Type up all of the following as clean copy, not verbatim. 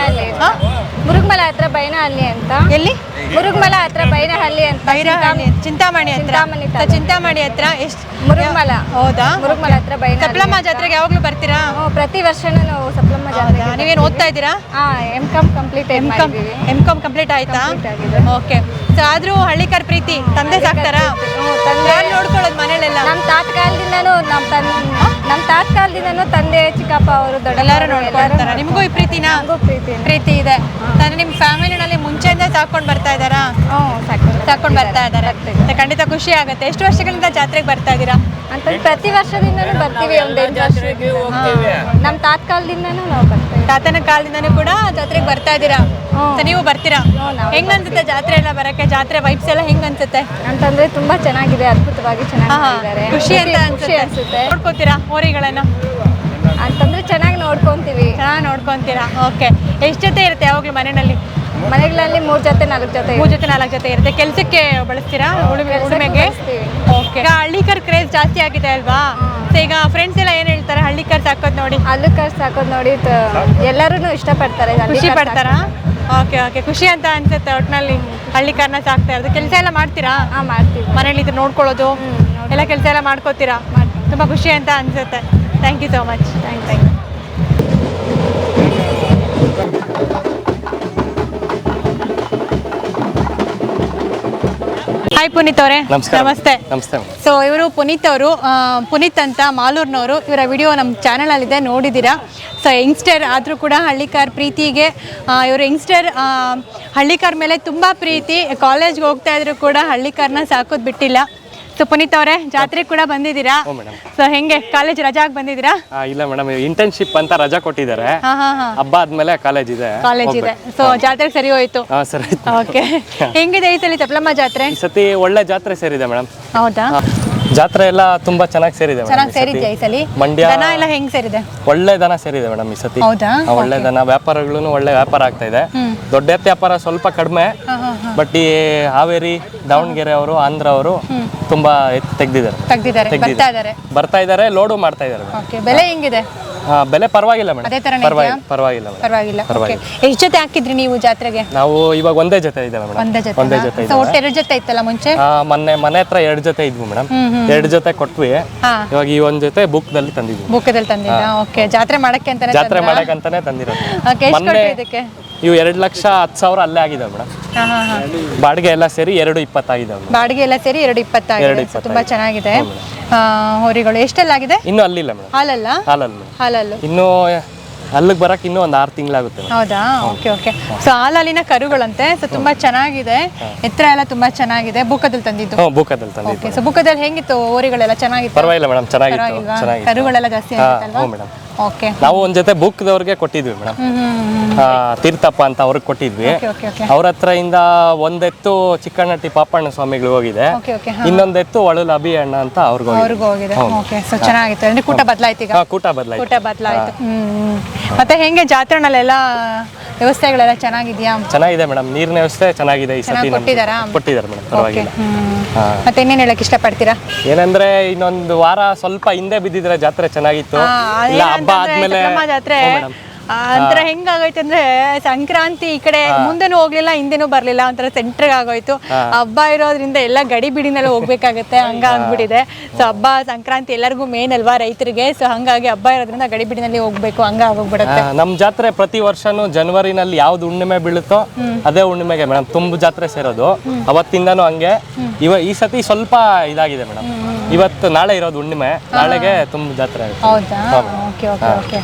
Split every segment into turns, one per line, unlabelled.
ಬೈನಹಳ್ಳಿ. ಮುರುಗಮಲ ಹತ್ರ ಬೈನಹಳ್ಳಿ ಅಂತ.
ಎಲ್ಲಿ?
ಮುರುಗಮಲ ಹತ್ರ ಬೈನಹಳ್ಳಿ ಅಂತ.
ಚಿಂತಾಮಣಿ ಹತ್ರ. ಚಿಂತಾಮಣಿ ಹತ್ರ ಎಷ್ಟು?
ಮುರುಗಮಲ.
ಹೌದಾ?
ಮುರುಗಮಲ ಹತ್ರ ಬೈನಹಳ್ಳಿ.
ಸಪ್ಲಮ್ಮ ಜಾತ್ರೆಗೆ ಯಾವಾಗ್ಲೂ ಬರ್ತೀರಾ?
ಪ್ರತಿ ವರ್ಷನೂ ನಾವು ಸಪ್ಲಮ್ಮ ಜಾತ್ರೆಗೆ.
ನೀವೇನು ಓದ್ತಾ ಇದ್ದೀರಾ?
ಎಂ.ಕಾಮ್ ಕಂಪ್ಲೀಟ್
ಎಂ.ಕಾಮ್ ಕಂಪ್ಲೀಟ್ ಆಯ್ತಾ? ಓಕೆ. ಸೊ ಆದ್ರೂ ಹಳ್ಳಿಕರ್ ಪ್ರೀತಿ ತಂದೆ ಸಾಕ್ತಾರಾ? ಯಾರು ನೋಡ್ಕೊಳ್ಳೋದು ಮನೇಲೆಲ್ಲ?
ನಮ್ಮ ತಾತ್ಕಾಲದಿಂದನೂ ತಂದೆ ಚಿಕ್ಕಪ್ಪ ಅವರು
ಎಲ್ಲರೂ ನೋಡ್ಕೊಳ್ತಾರ. ನಿಮಗೂ ಈ ಪ್ರೀತಿನಾ? ಪ್ರೀತಿ ಇದೆ. ಅಂದ್ರೆ ನಿಮ್ಮ ಫ್ಯಾಮಿಲಿನಲ್ಲಿ ಮುಂಚೆಯಿಂದ ಸಾಕೊಂಡು ಬರ್ತಾ ಇದ್ದಾರಾ? ಸಾಕೊಂಡು ಬರ್ತಾ ಇದ್ದಾರೆ. ಖಂಡಿತ ಖುಷಿ ಆಗುತ್ತೆ. ಎಷ್ಟು ವರ್ಷಗಳಿಂದ ಜಾತ್ರೆಗೆ ಬರ್ತಾ ಇದ್ದೀರಾ?
ಅಂತಂದ್ರೆ ಪ್ರತಿ ವರ್ಷದಿಂದನೂ ಬರ್ತೀವಿ. ಒಂದು 8 ವರ್ಷ ನಮ್ಮ ತಾತ್ಕಾಲದಿಂದನೂ ನಾವು ಬರ್ತೀವಿ.
ತಾತನ ಕಾಲದಿಂದನೂ ಕೂಡ ಜಾತ್ರೆಗೆ ಬರ್ತಾ ಇದ್ದೀರಾ? ನೀವು ಬರ್ತೀರಾ? ಹೆಂಗ್ ಅನ್ಸುತ್ತೆ ಜಾತ್ರೆ ಎಲ್ಲ ಬರಕ್ಕೆ? ಜಾತ್ರೆ ವೈಬ್ಸ್ ಎಲ್ಲ ಹೆಂಗ್ ಅನ್ಸುತ್ತೆ?
ಅಂತಂದ್ರೆ ತುಂಬಾ ಚೆನ್ನಾಗಿದೆ, ಅದ್ಭುತವಾಗಿ ಚೆನ್ನಾಗಿದ್ದಾರೆ.
ಖುಷಿ ಅಂತ ಅನ್ಸುತ್ತೆ. ನೋಡ್ಕೋತೀರಾ ಹೋರಿಗಳನ್ನ?
ಅಂತಂದ್ರೆ ಚೆನ್ನಾಗಿ ನೋಡ್ಕೊಂತೀವಿ.
ಚೆನ್ನಾಗಿ ನೋಡ್ಕೊಂತೀರಾ? ಓಕೆ. ಎಷ್ಟು ಜೊತೆ ಇರುತ್ತೆ ಯಾವಾಗ್ಲೂ ಮನೆಯಲ್ಲಿ?
ಮನೆಗಳಲ್ಲಿ 3 ಜೊತೆ 4 ಜೊತೆ
3 ಜೊತೆ 4 ಜೊತೆ ಇರುತ್ತೆ. ಕೆಲ್ಸಕ್ಕೆ ಬಳಸ್ತೀರಾ? ಉಳುಮೆಗೆ? ಓಕೆ. ಈಗ ಹಳ್ಳಿಕರ್ ಕ್ರೇಜ್ ಜಾಸ್ತಿ ಆಗಿದೆ ಅಲ್ವಾ? ಈಗ ಫ್ರೆಂಡ್ಸ್ ಎಲ್ಲ ಏನ್ ಹೇಳ್ತಾರೆ ಹಳ್ಳಿಕರ್ ಸಾಕೋದ್ ನೋಡಿ? ಹಳ್ಳಿಕರ್
ಸಾಕೋದ್ ನೋಡಿ ಎಲ್ಲರೂ ಇಷ್ಟಪಡ್ತಾರೆ.
ಖುಷಿ ಪಡ್ತಾರಾ? Okay okay. ಖುಷಿ ಅಂತ ಅನ್ಸುತ್ತೆ ಒಟ್ಟಿನಲ್ಲಿ ಹಳ್ಳಿಕರ್ನ ಸಾಕ್ತಾ ಇರೋದು. ಕೆಲಸ ಎಲ್ಲ ಮಾಡ್ತೀರಾ?
ಮಾಡ್ತೀವಿ.
ಮನೇಲಿ ಇದು ನೋಡ್ಕೊಳ್ಳೋದು ಎಲ್ಲ ಕೆಲಸ ಎಲ್ಲ ಮಾಡ್ಕೋತೀರಾ? ತುಂಬ ಖುಷಿ ಅಂತ ಅನ್ಸುತ್ತೆ. Thank you so much. Thank you. Hi Puneeth ಅವರೇ. ನಮಸ್ತೆ. ಸೊ ಇವರು ಪುನೀತ್ ಅವರು, ಪುನೀತ್ ಅಂತ ಮಾಲೂರಿನವರು. ಇವರ ವಿಡಿಯೋ ನಮ್ಮ ಚಾನಲಲ್ಲಿದೆ, ನೋಡಿದ್ದೀರಾ. ಸೊ ಯಂಗ್ಸ್ಟರ್ ಆದರೂ ಕೂಡ ಹಳ್ಳಿಕಾರ್ ಪ್ರೀತಿಗೆ ಇವರು ಯಂಗ್ಸ್ಟರ್ ಹಳ್ಳಿಕಾರ್ ಮೇಲೆ ತುಂಬ ಪ್ರೀತಿ. ಕಾಲೇಜ್ಗೆ ಹೋಗ್ತಾ ಇದ್ರು ಕೂಡ ಹಳ್ಳಿಕಾರ್ನ ಸಾಕೋದು ಬಿಟ್ಟಿಲ್ಲ. ಸೊ ಪುನೀತ್ ಅವರೇ, ಜಾತ್ರೆ ಕೂಡ ಬಂದಿದ್ದೀರಾ? ಸೊ ಹೆಂಗೆ ಕಾಲೇಜ್ ರಜಾಗ್ ಬಂದಿದ್ದೀರಾ?
ಇಲ್ಲ ಮೇಡಮ್, ಇಂಟರ್ನ್ಶಿಪ್ ಅಂತ ರಜಾ ಕೊಟ್ಟಿದ್ದಾರೆ. ಹಬ್ಬ ಆದ್ಮೇಲೆ ಕಾಲೇಜ್ ಇದೆ.
ಸೊ ಜಾತ್ರೆಗೆ ಸರಿ ಹೋಯ್ತು?
ಸರಿ.
ಓಕೆ. ಹೆಂಗಿದೆ ಈ ಸಲ ಸಪ್ಲಮ್ಮ ಜಾತ್ರೆ?
ಈ ಸತಿ ಒಳ್ಳೆ ಜಾತ್ರೆ ಸೇರಿದೆ ಮೇಡಮ್.
ಹೌದಾ?
ಜಾತ್ರೆ ಎಲ್ಲ ತುಂಬಾ ಚೆನ್ನಾಗಿ ಸೇರಿದೆ.
ಚೆನ್ನಾಗಿ ಸೇರಿದ್ಯಾ ಈ ಸಲ?
ಮಂಡ್ಯ
ದನ ಎಲ್ಲ ಹೆಂಗ್ ಸೇರಿದೆ?
ಒಳ್ಳೆ ದನ ಸೇರಿದೆ ಮೇಡಮ್ ಈ ಸತಿ.
ಹೌದಾ?
ಒಳ್ಳೆ ದನ. ವ್ಯಾಪಾರಗಳು ಒಳ್ಳೆ ವ್ಯಾಪಾರ ಆಗ್ತಾ ಇದೆ. ದೊಡ್ಡ ಎತ್ತು ವ್ಯಾಪಾರ ಸ್ವಲ್ಪ ಕಡಿಮೆ, ಬಟ್ ಈ ಹಾವೇರಿ, ದಾವಣಗೆರೆ ಅವರು, ಆಂಧ್ರ ಅವರು ತುಂಬಾ ಎತ್ತು ತೆಗ್ದಿದ್ದಾರೆ. ಬರ್ತಾ ಇದ್ದಾರೆ, ಲೋಡು ಮಾಡ್ತಾ ಇದ್ದಾರೆ.
ಬೆಲೆ ಹೆಂಗಿದೆ?
ಬೆಲೆ ಪರವಾಗಿಲ್ಲ ಮೇಡಮ್.
ಅದೇ ತರ ಪರವಾಗಿಲ್ಲ. ಎಷ್ಟು ಜೊತೆ ಹಾಕಿದ್ರಿ ನೀವು ಜಾತ್ರೆಗೆ?
ನಾವು ಇವಾಗ ಒಂದೇ ಜೊತೆ ಇದ್ದೇವೆ ಮೇಡಮ್. ಒಂದೇ ಜೊತೆ ಇದೆ.
ಒಟ್ಟು 2 ಜೊತೆ ಇತ್ತಲ್ಲ ಮುಂಚೆ?
ಮನೆ ಹತ್ರ 2 ಜೊತೆ ಇದ್ವು ಮೇಡಮ್. 2 ಜೊತೆ ಕೊಟ್ವಿ. ಇವಾಗ ಈ ಒಂದ್ ಜೊತೆ ಬುಕ್ದಲ್ಲಿ ತಂದಿದ್ವಿ.
ಓಕೆ. ಜಾತ್ರೆ ಮಾಡಕ್ಕೆ
ಅಂತಾನೆ ತಂದಿರೋದು. ಇವು 2,10,000 ಅಲ್ಲೇ ಆಗಿದೆ ಮೇಡಮ್. ಬಾಡಿಗೆ ಎಲ್ಲ ಸೇರಿ 2,20 ಆಗಿದೆ.
ಬಾಡಿಗೆ ಎಲ್ಲ ಸೇರಿ 2,20 ಆಗಿದೆ. ತುಂಬಾ ಚೆನ್ನಾಗಿದೆ ಹೋರಿಗಳು. ಎಷ್ಟೆಲ್ಲ ಆಗಿದೆ?
ಇನ್ನು ಅಲ್ಲಿಲ್ಲ ಮೇಡಮ್. ಹಾಲಲ್ಲ ಇನ್ನು ಅಲ್ಲಿಗೆ ಬರಕ್ಕೆ ಇನ್ನೂ ಒಂದು 6 ತಿಂಗಳಾಗುತ್ತೆ.
ಹೌದಾ? Okay okay. ಸೊ ಹಾಲಲ್ಲಿನ ಕರುಗಳಂತೆ. ಸೊ ತುಂಬಾ ಚೆನ್ನಾಗಿದೆ, ಎತ್ತರ ಎಲ್ಲ ತುಂಬಾ ಚೆನ್ನಾಗಿದೆ. ಬುಕ್ಕದಲ್ಲಿ ತಂದಿದ್ದು?
ಬುಕ್ಕದಲ್ಲಿ ತಂದಿದ್ದು.
ಸೊ ಬುಕ್ಕದಲ್ಲಿ ಹೆಂಗಿತ್ತು ಹೋರಿಗಳೆಲ್ಲ? ಚೆನ್ನಾಗಿತ್ತು?
ಪರವಾಗಿಲ್ಲ ಮೇಡಮ್, ಚೆನ್ನಾಗಿತ್ತು.
ಕರುಗಳೆಲ್ಲ ಜಾಸ್ತಿ ಆಗಿತ್ತಲ್ವಾ?
ಮೇಡಮ್.
ಓಕೆ.
ನಾವು ಒಂದ್ ಜೊತೆ ಬುಕ್ದವ್ರಿಗೆ ಕೊಟ್ಟಿದ್ವಿ ಮೇಡಮ್. ತೀರ್ಥಪ್ಪ ಅಂತ ಅವ್ರಿಗೆ ಕೊಟ್ಟಿದ್ವಿ. ಅವ್ರ ಹತ್ರ ಇಂದ ಒಂದೆತ್ತು ಚಿಕ್ಕಣ್ಣಟ್ಟಿ ಪಾಪಣ್ಣ ಸ್ವಾಮಿಗಳು ಹೋಗಿದೆ. ಇನ್ನೊಂದೆತ್ತು ಒಳಲು ಅಭಿ ಅಣ್ಣ ಅಂತ ಅವ್ರಿಗೂ
ಹೋಗಿದೆ. ಓಕೆ. ಸೊ ಚೆನ್ನಾಗಿತ್ತು. ಅಂದ್ರೆ ಕೂಟ ಬದಲಾಯ್ತು ಈಗ? ಕೂಟ ಬದಲಾಯ್ತು. ಮತ್ತೆ ಹೆಂಗೆ ಜಾತ್ರೆನಲ್ಲೆಲ್ಲ ವ್ಯವಸ್ಥೆಗಳೆಲ್ಲ ಚೆನ್ನಾಗಿದ್ಯಾ?
ಚೆನ್ನಾಗಿದೆ ಮೇಡಮ್. ನೀರಿನ ವ್ಯವಸ್ಥೆ ಚೆನ್ನಾಗಿದೆ ಈ ಸತಿ. ಕೊಟ್ಟಿದ್ದಾರೆ ಮೇಡಮ್, ಪರವಾಗಿಲ್ಲ.
ಮತ್ತೆ ಇನ್ನೇನು ಹೇಳಕ್ ಇಷ್ಟಪಡ್ತೀರಾ?
ಏನಂದ್ರೆ ಇನ್ನೊಂದು ವಾರ ಸ್ವಲ್ಪ ಹಿಂದೆ ಬಿದ್ದಿದ್ರೆ ಜಾತ್ರೆ ಚೆನ್ನಾಗಿತ್ತು. ಇಲ್ಲ ಹಬ್ಬ ಆದ್ಮೇಲೆ
ಜಾತ್ರೆ ಒಂಥರ ಹೆಂಗಾಗೋಯ್ತು ಅಂದ್ರೆ ಸಂಕ್ರಾಂತಿ ಈ ಕಡೆ ಮುಂದೆನೂ ಹೋಗ್ಲಿಲ್ಲ, ಹಿಂದೆನೂ ಬರ್ಲಿಲ್ಲ, ಒಂಥರ ಸೆಂಟ್ರಿಗೆ ಆಗೋಯ್ತು. ಹಬ್ಬ ಇರೋದ್ರಿಂದ ಎಲ್ಲ ಗಡಿ ಬಿಡಿನೆಲ್ಲ ಹೋಗ್ಬೇಕಾಗತ್ತೆ, ಹಂಗಾಗ್ಬಿಟ್ಟಿದೆ. ಸೊ ಹಬ್ಬ ಸಂಕ್ರಾಂತಿ ಎಲ್ಲರಿಗೂ ಮೇನ್ ಅಲ್ವಾ ರೈತರಿಗೆ. ಸೊ ಹಂಗಾಗಿ ಹಬ್ಬ ಇರೋದ್ರಿಂದ ಗಡಿ ಬಿಡಿನಲ್ಲಿ ಹೋಗ್ಬೇಕು, ಹಂಗಾಗೋಗ್ಬಿಡುತ್ತೆ.
ನಮ್ ಜಾತ್ರೆ ಪ್ರತಿ ವರ್ಷನೂ ಜನವರಿನಲ್ಲಿ ಯಾವ್ದು ಹುಣ್ಣಿಮೆ ಬೀಳುತ್ತೋ ಅದೇ ಹುಣ್ಣಿಮೆಗೆ ಮೇಡಮ್ ತುಂಬು ಜಾತ್ರೆ ಸೇರೋದು. ಅವತ್ತಿಂದಾನು ಹಂಗೆ. ಈ ಸತಿ ಸ್ವಲ್ಪ ಇದಾಗಿದೆ ಮೇಡಮ್. ಇವತ್ತು ನಾಳೆ ಇರೋದು ಹುಣ್ಣಿಮೆ, ನಾಳೆಗೆ ತುಂಬು ಜಾತ್ರೆ ಆಗುತ್ತೆ.
ಹೌದಾ? Okay okay okay.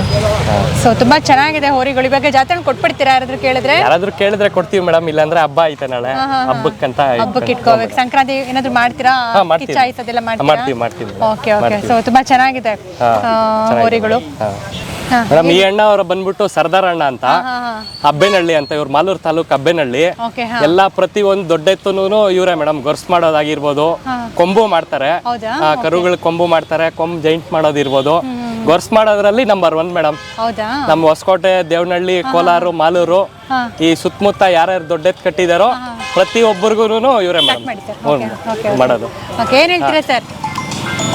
ಸೊ ತುಂಬಾ ಚೆನ್ನಾಗಿದೆ ಹೋರಿಗಳು. ಇವಾಗ ಜಾತ್ರೆ ಕೊಟ್ಬಿಡ್ತೀರಾ ಯಾರಾದ್ರೂ ಕೇಳಿದ್ರೆ? ಕೊಡ್ತೀವಿ ಮೇಡಮ್. ಇಲ್ಲಾಂದ್ರೆ ಹಬ್ಬ ಐತೆ ನಾಳೆ, ಹಬ್ಬಕ್ಕೆ ಇಟ್ಕೋಬೇಕು. ಸಂಕ್ರಾಂತಿ ಏನಾದ್ರು ಮಾಡ್ತೀರಾ? ಕಿಚ್ಚಾಯಿಸೋದೆಲ್ಲ ಮಾಡ್ತೀವಿ. Okay okay. ಸೊ ತುಂಬಾ ಚೆನ್ನಾಗಿದೆ ಹೋರಿಗಳು.
ಮೇಡಮ್ ಈ ಅಣ್ಣ ಅವ್ರ ಬಂದ್ಬಿಟ್ಟು ಸರ್ದಾರ್ ಅಣ್ಣ ಅಂತ, ಅಬ್ಬೇನಹಳ್ಳಿ ಅಂತ. ಇವ್ರ ಮಾಲೂರು ತಾಲೂಕು ಅಬ್ಬೇನಹಳ್ಳಿ. ಎಲ್ಲಾ ಪ್ರತಿ ಒಂದು ದೊಡ್ಡ ಎತ್ತುನು ಇವರೇ ಮೇಡಮ್. ಗೊರ್ಸ್ ಮಾಡೋದಾಗಿರ್ಬೋದು, ಕೊಂಬು ಮಾಡ್ತಾರೆ, ಕರುಗಳು ಕೊಂಬು ಮಾಡ್ತಾರೆ, ಜೈಂಟ್ ಮಾಡೋದಿರ್ಬೋದು. ಗೊರ್ಸ್ ಮಾಡೋದ್ರಲ್ಲಿ ನಂಬರ್ 1 ಮೇಡಮ್. ನಮ್ಮ ಹೊಸಕೋಟೆ, ದೇವನಹಳ್ಳಿ, ಕೋಲಾರ, ಮಾಲೂರು ಈ ಸುತ್ತಮುತ್ತ ಯಾರ್ಯಾರು ದೊಡ್ಡ ಎತ್ತು ಕಟ್ಟಿದಾರೋ ಪ್ರತಿ ಒಬ್ಬರಿಗೂ ಇವರೇ ಮೇಡಮ್ ಮಾಡೋದು.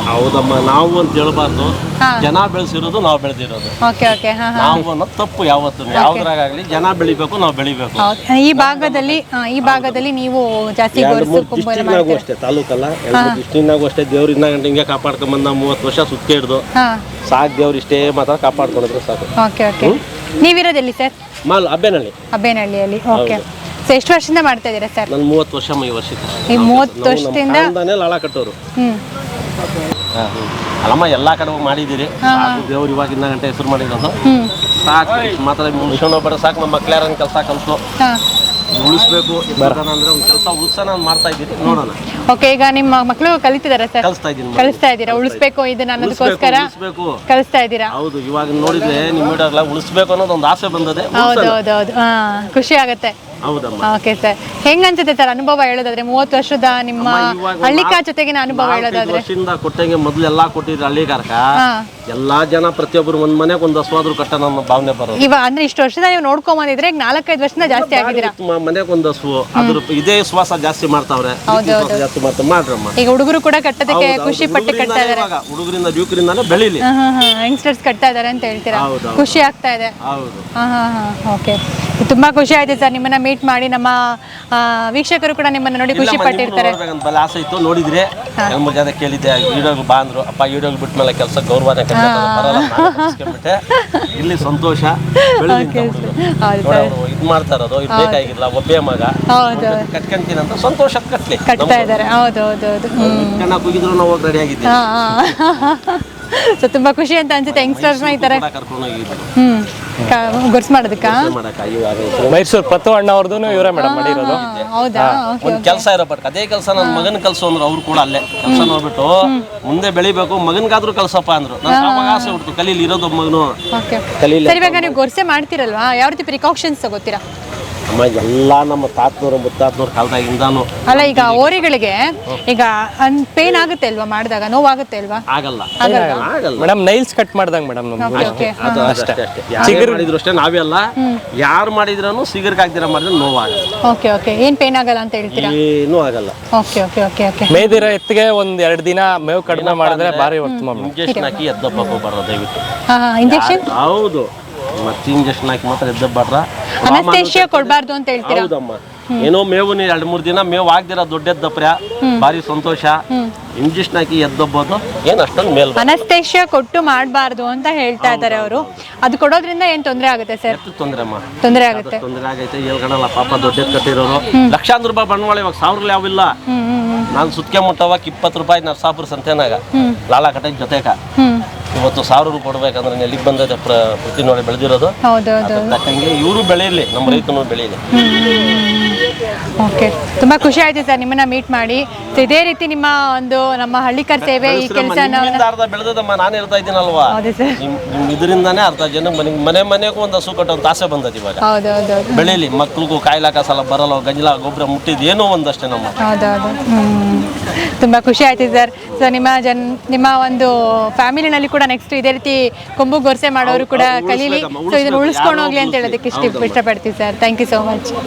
ಹೌದಮ್ಮ, ನಾವು ಅಂತ ಹೇಳ್ಬಾರ್ದು.
ಹಾ.
ಜನ ಬೆಳೆಸಿರೋದು ನಾವು ಬೆಳೆದಿರೋದು.
ಓಕೆ ಓಕೆ ಹಾ ಹಾ
ನಾವು ಅನ್ನೋದು ತಪ್ಪು ಯಾವತ್ತು. ಯಾವ್ದ್ರಾಗಲಿ ಜನ ಬೆಳಿಬೇಕು, ನಾವು ಬೆಳಿಬೇಕು.
ಈ ಭಾಗದಲ್ಲಿ ನೀವು ಜಾಸ್ತಿ
ಎರಡು
ಗೊರಸು
ಮೂರು
ಕೊಂಬು ಎಲ್ಲ
ಡಿಸ್ಟಿಕ್ನಾಗೂ
ಮಾಡ್ತೀರಾ?
ಅಷ್ಟೇ, ತಾಲೂಕಲ್ಲ, ಎರಡು ಡಿಸ್ಟಿಕ್ನಾಗೂ ಅಷ್ಟೇ. ದೇವ್ರಿಂದ ಗಂಟೆ ಹಿಂಗೆ ಕಾಪಾಡ್ಕೊಂಬಂದ 30 ವರ್ಷ ಸುತ್ತ ಹಿಡ್ದು
ಹಾ
ಸಾಕು. ದೇವ್ರು ಇಷ್ಟೇ ಮಾತ್ರ ಕಾಪಾಡ್ಕೊಂಡಿದ್ರು ಸಾಕು.
Okay okay. ನೀವಿರೋದೆಲ್ಲಿ ಸರ್?
ಅಬ್ಬೇನಹಳ್ಳಿ.
ಅಬ್ಬೇನಹಳ್ಳಿಯಲ್ಲಿ. ಓಕೆ. ಸೊ ಎಷ್ಟು ವರ್ಷದಿಂದ ಮಾಡ್ತಾ ಇದ್ದೀರಾ ಸರ್?
ನಾನು 30 ವರ್ಷ ಈ ವರ್ಷಕ್ಕೆ.
ಈ 30 ವರ್ಷದಿಂದ
ಲಾಳ ಕಟ್ಟೋರು.
ಹ್ಮ್
ಅಲ್ಲಮ್ಮ ಎಲ್ಲಾ ಕಡೆ ಹೋಗಿ ಮಾಡಿದ್ದೀರಿ. ದೇವ್ರು ಇವಾಗಿಂದ ಗಂಟೆ ಹೆಸರು ಮಾಡಿರೋದು ಸಾಕು. ಮಾತ್ರ ಮುಗಿಸ್ಕೊಂಡು ಹೋಗ್ಬೇಡ ಸಾಕು. ನಮ್ಮ ಮಕ್ಳ್ಯಾರ ಕೆಲಸ ಕಲ್ಸು,
ಹಾ
ಉಳಿಸ್ಬೇಕು ಅಂದ್ರೆ ಒಂದು ಕೆಲಸ ಉಳಿಸೋಣ ಮಾಡ್ತಾ ಇದ್ದೀರಿ. ನೋಡೋಣ.
ಓಕೆ. ಈಗ ನಿಮ್ಮ ಮಕ್ಕಳು ಕಲಿತಿದಾರಾ ಸರ್? ಕಲಿಸ್ತಾ ಇದ್ದೀರಾ? ಉಳಿಸ್ಬೇಕು ಇದನ್ನ ಅನ್ನೋದಕ್ಕೋಸ್ಕರ ಕಲಿಸ್ತಾ ಇದ್ದೀರಾ?
ಹೌದು. ಇವಾಗ ನೋಡಿದ್ರೆ ನಿಮ್ಮ ವಿಡಿಯೋಗ್ಲ ಉಳಿಸ್ಬೇಕು ಅನ್ನೋದು ಒಂದು ಆಸೆ ಬಂದದೆ.
ಹೌದು ಹೌದು ಹೌದು. ಹಾ, ಖುಷಿ ಆಗತ್ತೆ.
ಹೌದಮ್ಮ.
Okay sir. ಹೆಂಗ್ ಅನ್ಸುತ್ತೆ ಸರ್ ಅನುಭವ ಹೇಳೋದಾದ್ರೆ? 30 ವರ್ಷದ ನಿಮ್ಮ ಹಳ್ಳಿಕಾರ್ ಜೊತೆಗಿನ ಅನುಭವ ಹೇಳೋದಾದ್ರೆ?
ವರ್ಷದಿಂದ ಕೊಟ್ಟಂಗೆ ಮೊದ್ಲು ಎಲ್ಲಾ ಕೊಟ್ಟಿದ್ರು ಹಳ್ಳಿಗಾರಕ.
ಹಾ.
ಎಲ್ಲಾ ಜನ ಪ್ರತಿಯೊಬ್ಬರು ಒಂದ್ ಮನೆಗೆ ಒಂದು ಹಸುವಾದ್ರು ಕಟ್ಟ ನಮ್ಮ ಭಾವನೆ ಬರೋದು.
ಇವಾಗ ಅಂದ್ರೆ ಇಷ್ಟು ವರ್ಷದ ನೀವು ನೋಡ್ಕೊಂಡ್ ಬಂದಿದ್ರೆ ಈಗ 4-5 ವರ್ಷದಿಂದ ಜಾಸ್ತಿ ಆಗಿದ್ದೀರಾ?
ಮನೆಗೆ ಒಂದು ಹಸು, ಅದ್ರ ಇದೇ ಶ್ವಾಸ ಜಾಸ್ತಿ ಮಾಡ್ತಾವ್ರೆ. ಜಾಸ್ತಿ ಮಾಡ್ರಮ್ಮ.
ಈಗ ಹುಡುಗರು ಕೂಡ ಕಟ್ಟೋದಕ್ಕೆ ಖುಷಿ ಪಟ್ಟು ಕಟ್ತಾ ಇದಾರೆ.
ಹುಡುಗರಿಂದ ಯುವಕರಿಂದಾನೆ ಬೆಳಿಲಿ.
ಯಂಗ್ಸ್ಟರ್ಸ್ ಕಟ್ತಾ ಇದಾರೆ ಅಂತ ಹೇಳ್ತೀರಾ? ಖುಷಿ ಆಗ್ತಾ ಇದೆ.
ಹೌದು.
ಓಕೆ. ತುಂಬಾ ಖುಷಿ ಆಯ್ತು ಸರ್ ನಿಮ್ಮನ್ನ ಮೀಟ್ ಮಾಡಿ. ನಮ್ಮ ವೀಕ್ಷಕರು ಕೂಡ ನಿಮ್ಮನ್ನ ನೋಡಿ ಖುಷಿ ಪಟ್ಟಿರ್ತಾರೆ.
ಬಲ ಆಸೆ ಇತ್ತು, ನೋಡಿದ್ರೆ ಎರಡು ಜನ ಕೇಳಿದ್ದೆ ವಿಡಿಯೋಗೆ ಬಾ ಅಂದ್ರು. ಅಪ್ಪ ವಿಡಿಯೋಗೆ ಬಿಟ್ಟ ಮೇಲೆ ಕೆಲಸ ಗೌರವನೇ ಬರಲ್ಲ. ಇಲ್ಲಿ ಸಂತೋಷ ಇದ್ ಮಾಡ್ತಾ ಇರೋದು. ಇದು ಬೇಕಾಗಿಲ್ಲ, ಒಬ್ಬೇ ಮಗ ಕಟ್ಕೊಂತೀನಿ ಅಂತ ಸಂತೋಷ
ಕಟ್ತಾ ಇದ್ದಾರೆ. ಹೌದು ಹೌದು ಹೌದು.
ಕಣ್ಣ ಕುಗಿದ್ರು ನಾವು ಹೋಗಿ ರೆಡಿ ಆಗಿದ್ದೀವಿ.
ಸೊ ತುಂಬಾ ಖುಷಿ ಅಂತ ಅನ್ಸುತ್ತೆ ಯಂಗ್ಸ್ಟರ್ಸ್ ಈ ತರ ಗೊರ್ಸ್ ಮಾಡೋದಕ್ಕ.
ಮೈಸೂರು ಪತ್ತು ಅಣ್ಣ ಅವ್ರದ್ದು ಇವರೇ ಮೇಡಮ್ ಮಾಡಿರೋದು.
ಹೌದಾ?
ಒಂದ್ ಕೆಲಸ ಇರೋ ಬಟ್ ಅದೇ ಕೆಲಸ ನನ್ನ ಮಗನ ಕಲ್ಸು ಅಂದ್ರು. ಅವ್ರು ಕೂಡ ಅಲ್ಲೇ ಕೆಲಸ ನೋಡ್ಬಿಟ್ಟು ಮುಂದೆ ಬೆಳಿಬೇಕು, ಮಗನ್ಗಾದ್ರೂ ಕಲ್ಸಪ್ಪ ಅಂದ್ರು. ನನ್ಗೆ ಅವಾಗ ಆಸೆ ಹುಡ್ತು, ಕಲೀಲಿ ಇರೋದು ಮಗನು ಕಲೀಲಿ.
ಸರ್ ಇವಾಗ ನೀವು ಗೊರ್ಸೆ ಮಾಡ್ತಿರಲ್ವಾ, ಯಾವ ರೀತಿ ಪ್ರಿಕಾಷನ್ಸ್ ತಗೋತೀರಾ?
ಅಮ್ಮ ಎಲ್ಲ ನಮ್ಮ ತಾತನವ್ರು ಮುತ್ತಾತನವ್ರ ಕಾಲದಾಗಿಂದಾನು.
ಅಲ್ಲ ಈಗ ಓರಿಗಳಿಗೆ ಈಗ ಪೇನ್ ಆಗುತ್ತೆ ಅಲ್ವಾ ಮಾಡಿದಾಗ? ನೋವಾಗುತ್ತೆ ಅಲ್ವಾ?
ಆಗಲ್ಲ
ಮೇಡಮ್. ನೈಲ್ಸ್ ಕಟ್ ಮಾಡ್ದಂಗ್ ಮೇಡಮ್.
ಚಿಗುರು ಮಾಡಿದ್ರು ಅಷ್ಟೇ, ನಾವೇ ಅಲ್ಲ ಯಾರು ಮಾಡಿದ್ರೂ ಸಿಗರ್ಗೆ ಹಾಕ್ದಿರ ಮಾಡಿದ್ರೆ ನೋವಾಗಲ್ಲ.
Okay okay. ಏನ್ ಪೇನ್ ಆಗಲ್ಲ ಅಂತ ಹೇಳ್ತೀರಾ?
ಏನೂ ಆಗಲ್ಲ.
Okay okay okay okay.
ಮೇದಿರೋ ಎತ್ತಿಗೆ ಒಂದ್ 2 ದಿನ ಮೇವು ಕಡಿಮೆ ಮಾಡಿದ್ರೆ ಭಾರಿ ಉತ್ತಮ.
ಇಂಜೆಕ್ಷನ್ ಹಾಕಿ ಎದ್ದಪ್ಪು ಬರೋ ದಯವಿಟ್ಟು.
ಇಂಜೆಕ್ಷನ್?
ಹೌದು. ಮತ್ತೆ ಇಂಜೆಕ್ಷನ್ ಹಾಕಿ ಮಾತ್ರ ಎದ್ದಬ್ಬಾರ್ರ.
ಅನಸ್ತೇಶಿಯಾ ಕೊಡಬಾರ್ದು ಅಂತ ಹೇಳ್ತೀರಾ?
ಹೌದಮ್ಮ. ಏನೋ ಮೇವು 2-3 ದಿನ ಮೇವು ಆಗ್ದಿರ ದೊಡ್ಡ ಎದ್ದಪ್ರ ಭಾರಿ ಸಂತೋಷ. ಇಂಜೆಕ್ಷನ್ ಹಾಕಿ ಎದ್ದಬ್ಬೋದು ಏನ್ ಅಷ್ಟೊಂದು ಮೇಲ್.
ಅನಸ್ತೇಶಿಯಾ ಕೊಟ್ಟು ಮಾಡಬಾರ್ದು ಅಂತ ಹೇಳ್ತಾ ಇದ್ದಾರೆ ಅವರು. ಅದು ಕೊಡೋದ್ರಿಂದ ಏನ್ ತೊಂದರೆ ಆಗುತ್ತೆ ಸರ್?
ತೊಂದರೆ ಅಮ್ಮ,
ತೊಂದರೆ ಆಗುತ್ತೆ.
ತೊಂದರೆ ಆಗೈತೆ. ಹೇಳ್ಕಣಲ್ಲ ಪಾಪ ದೊಡ್ಡ ಕಟ್ಟಿರೋರು. ಲಕ್ಷಾಂತರ ರೂಪಾಯಿ ಬಂಡವಾಳ. ಇವಾಗ 1000 ಯಾವಿಲ್ಲ. ನಾನು ಸುತ್ಕೆ ಮುಟ್ಟವಾಗ 20 ರೂಪಾಯಿ ನರಸಾಪುರ ಸಂತೆನಾಗ ಲಾಳ ಕಟ್ಟೆ ಜೊತೆಗ ಇವತ್ತು 1000 ರೂಪಾಯಿ ಕೊಡ್ಬೇಕಂದ್ರೆ ಎಲ್ಲಿಗೆ ಬಂದೈತೆ ಪ್ರತಿ ನೋಡಿ ಬೆಳೆದಿರೋದು. ತಕ್ಕಂಗೆ ಇವರು ಬೆಳೆಯಲಿ, ನಮ್ಮ ರೈತನು ಬೆಳೆಯಲಿ.
ಓಕೆ. ತುಂಬಾ ಖುಷಿ ಆಯ್ತು ಸರ್ ನಿಮ್ಮನ್ನ ಮೀಟ್ ಮಾಡಿ. ಇದೇ ರೀತಿ ನಿಮ್ಮ ಒಂದು ನಮ್ಮ ಹಳ್ಳಿಕಾರ್ ಸೇವೆ ಈ ಕೆಲಸ
ಅರ್ಧ ಬೆಳೆದಮ್ಮ. ನಾನು ಇರ್ತಾ ಇದ್ದೀನಲ್ವಾ, ಇದರಿಂದಾನೇ ಅರ್ಧ ಜನ ಮನೆಗೂ ಒಂದು ಹಸು ಕಟ್ಟೋ ಆಸೆ ಬಂದದ. ಇವಾಗ ಬೆಳೆಯಲಿ, ಮಕ್ಳಿಗೂ ಕಾಯಿಲಾಕ ಸಲ ಬರಲ್ಲ, ಗಂಜಲ ಗೊಬ್ಬರ ಮುಟ್ಟಿದ್ ಏನೋ ಒಂದಷ್ಟೇ ನಮ್ಮ.
ಹೌದೌದು. ತುಂಬಾ ಖುಷಿ ಆಯ್ತು ಸರ್. ಸೊ ನಿಮ್ಮ ಒಂದು ಫ್ಯಾಮಿಲಿನಲ್ಲಿ ಕೂಡ ನೆಕ್ಸ್ಟ್ ಇದೇ ರೀತಿ ಕೊಂಬು ಗೊರ್ಸೆ ಮಾಡೋರು ಕೂಡ ಕಲೀಲಿ. ಸೊ ಇದನ್ನ ಉಳಿಸ್ಕೊಂಡು ಹೋಗ್ಲಿ ಅಂತ ಹೇಳೋದಕ್ಕೆ ಇಷ್ಟಪಡ್ತೀವಿ sir. Thank you so much.